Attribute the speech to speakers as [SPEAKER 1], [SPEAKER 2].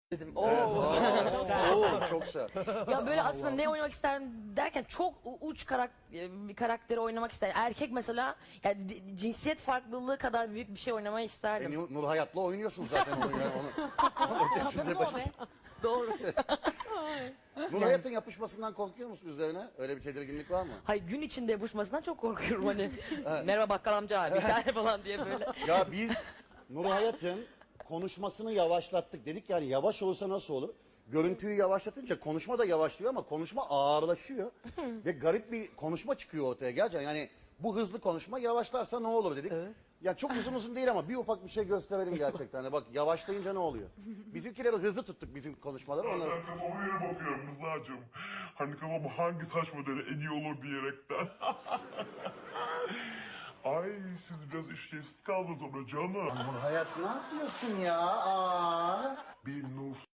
[SPEAKER 1] dedim.
[SPEAKER 2] Çok güzel.
[SPEAKER 1] Ya böyle aslında ne oynamak isterim derken çok uç bir karakteri oynamak isterim. Erkek mesela yani cinsiyet farklılığı kadar büyük bir şey oynamayı isterdim.
[SPEAKER 2] Nur Hayat'la oynuyorsun zaten onu. Yani onun ötesinde başka.
[SPEAKER 1] Doğru.
[SPEAKER 2] Nur Hayat'ın yapışmasından korkuyor musun üzerine? Öyle bir tedirginlik var mı?
[SPEAKER 1] Hayır, gün içinde yapışmasından çok korkuyorum hani. Merhaba bakkal amca bir tane falan diye böyle.
[SPEAKER 2] Ya biz Nur Hayat'ın konuşmasını yavaşlattık. Dedik yani yavaş olursa nasıl olur? Görüntüyü yavaşlatınca konuşma da yavaşlıyor ama konuşma ağırlaşıyor. Ve garip bir konuşma çıkıyor ortaya gerçekten. Yani bu hızlı konuşma yavaşlarsa ne olur dedik. Ya çok uzun değil ama bir ufak bir şey gösterelim gerçekten. Hani bak yavaşlayınca ne oluyor? Bizimkileri hızlı tuttuk bizim konuşmaları. Onları...
[SPEAKER 3] Ben kafama göre bakıyorum Rıza'cığım. Hani kafama hangi saç modeli en iyi olur diyerekten. Ay siz biraz işlevsiz kaldınız ona canım.
[SPEAKER 2] Nur Hayat ne yapıyorsun ya? Aa.
[SPEAKER 3] Bir Nur